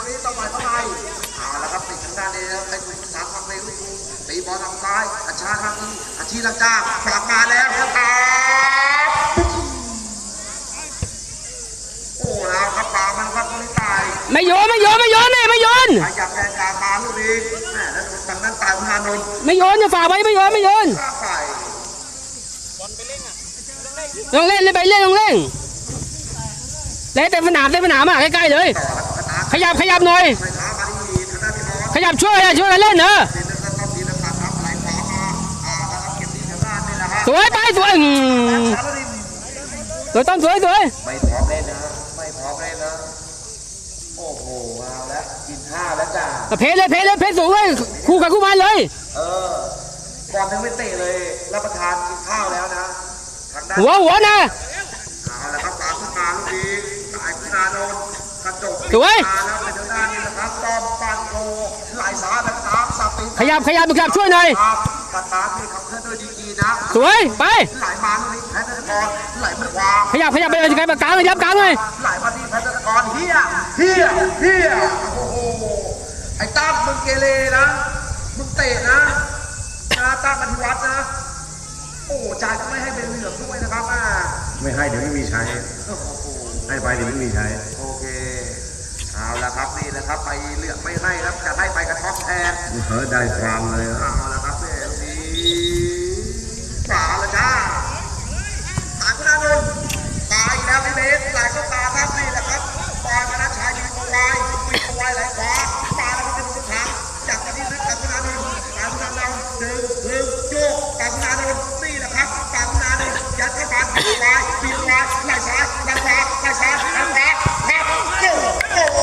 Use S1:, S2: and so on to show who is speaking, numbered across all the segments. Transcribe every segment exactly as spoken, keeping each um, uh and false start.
S1: นี้ต้องไปเข้าไปเอาละครับติดทางด้านนี้แล้วเป็นสามฝั่งในลูกตีบอลทางซ้ายอาชาทางนี้อาชีลังกาฝากมาแล้วครับโอ้แล้วครับปามันครับคนนี้ตาย
S2: ไม่โยนไม่โยนไม่โยนเนี่ยไม่โยน
S1: อยากแรงการมาลูกนี้แม่แล้วทางนั้นตายพนานนท์
S2: ไม่โยนจะฝากไว้ไม่โยนไม่โยนลองเล่นเล่นไปเล่นลองเล่นเล่นเต็มสนามเต็มสนามอ่ะใกล้ๆเลยขยับขยับหน่อยขยับช่วยช่วยกันเล่นเนอะสวยไปสวยสวยต้องสวยสวย
S1: ไม่พร้อมเล่นนะไม่พร้อมเล่นนะโอ้โหเอาแล้วกินข้าวแล้วจ้า
S2: เพลเลยเพลเลยเพลสูงเลยคู่กับคู่มันเลย
S1: เออก่อนถึงไม่เตะเลยรับประทานกินข้าวแล้วนะ
S2: หัวหัวนะ
S1: เอาละครับสามขึ้นมาลูกนี้สายพินาโดนกระจก
S2: สวย
S1: แล้วเป็นทางด้านนี้นะครับต้อมปันโกไหลสาแบบสามสับปี
S2: ขยับขยับขยับช่วยหน่อย
S1: ปันตาที่ขับเคลื่อนด้วยดีๆนะ
S2: สวยไป
S1: ไหลมาลูกนี้แพทย์นครไหลมาขวา
S2: ขยับขยับไปเลยไกลปากกลางเลยยับกลางเลย
S1: ไหลมาที่แพทย์นครเฮียเฮียเฮียโอ้โหไอ้ตั้มมึงเกเรนะมึงเตะนะนะตั้มปฏิวัตินะโอ้จ่ายก็ไม่ให้เป็นเหลืองด้วยนะครับ
S3: ไม่ให้เดี๋ยวไม่มีใช้ให้ไปเดี๋ยวไม่มีใช้
S1: โอเคเอาละครับนี่แหละครับไปเหลืองไม่ให้ครับจะให้ไปกระท็อปแทน
S3: เออได้ความเลย
S1: เอาละครับเนี่ยดีฝาละจ้าตายคุณอานนท์ตายแล้วพี่เบสหลายก็ตาครับนี่แหละครับปอยมานะชายยิงเอาไว้วิ่งเอาไว้ไหลขวามาแล้วก็เป็นสุดทางจากที่นึกตายคุณอานนท์ตายคุณอานนท์ดึงดึงโยกตายคุณอานนท์นี่แหละครับตายคุณอานนท์ยัดเข้าไปบีบไว้บีบไว้ไหลซ้ายไหลขวาไหลซ้ายไหลขวาครับโอ้โห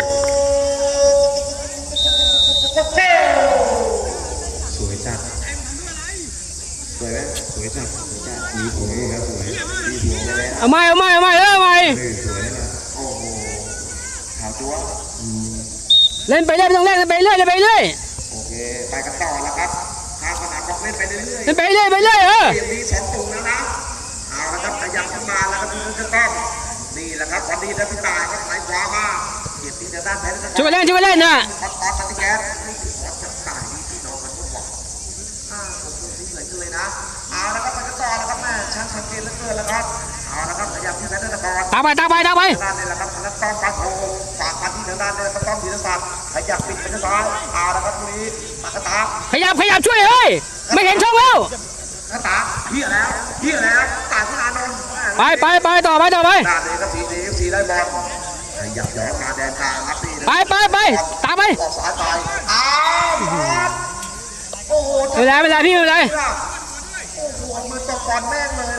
S3: สวยจัดสวยไหมสวยจัดสวยจัดมีหัวด้วยครับสวยมีหัวไปแล้ว
S2: เอาไม่เอาไม่เอาไม่เออไม่
S3: สวยนะ
S1: โอ้โหขาวจั๊ว
S2: เล่นไปเรื่อยไม่ต้องเล่นไปเรื่อยเล่นไปเรื่อย
S1: โอเคไปกันต่อแล้วครับทางสนามบอกเล่นไปเรื่อย
S2: เล่นไปเรื่อยไปเรื่อยเออ
S1: เกมนี้สองตุ่มแล้วนะเอาละครับขยับขึ้นมาแล้วก็ดูจะต้องนี่แหละครับวันนี้นะพี่ตายก็ไหลขวามาเก็บที่ด้านแผนช่
S2: วยเล่นช่วยเล่นนะ
S1: ออสติแก๊สจับตายนี่พี่น้องมันก็บอกอ่าผมดูที่เหมือนกันเลยนะเอาละครับไปกันต่อแล้วครับแม่ช่างสังเกตเหลือเกินแล้วครับเอาละครับขยับที่แผนนคร
S2: ตามไปตามไปตามไป
S1: ด้านนี้แหละครับทางด้านต้อมปาโถฝากมาที่ทางด้านนี้ต้อมธีรศักดิ์ขยับปิดไปทางซ้ายเอาละครับตรงนี้ปากกาตา
S2: ขยับขยับช่วยเฮ้ยไม่เห็นช่องแล้ว
S1: กาตาเฮียแล้วเฮียแล้วตายคุณอานนท์
S2: ไปไปไปต่อไปต่อไป
S1: ด้านนี้ก็สีนี้สีได้บอลขยับย้อนมาแดนกลางครับนี่
S2: ไปไปไปตามไป
S1: ออกสายไปอ้าวโอ้โห
S2: ไม่เป็นไรไม่เป็นไรพี่ไม่เป็นไร
S1: โอ้โหมือตกบอลแม่งเลย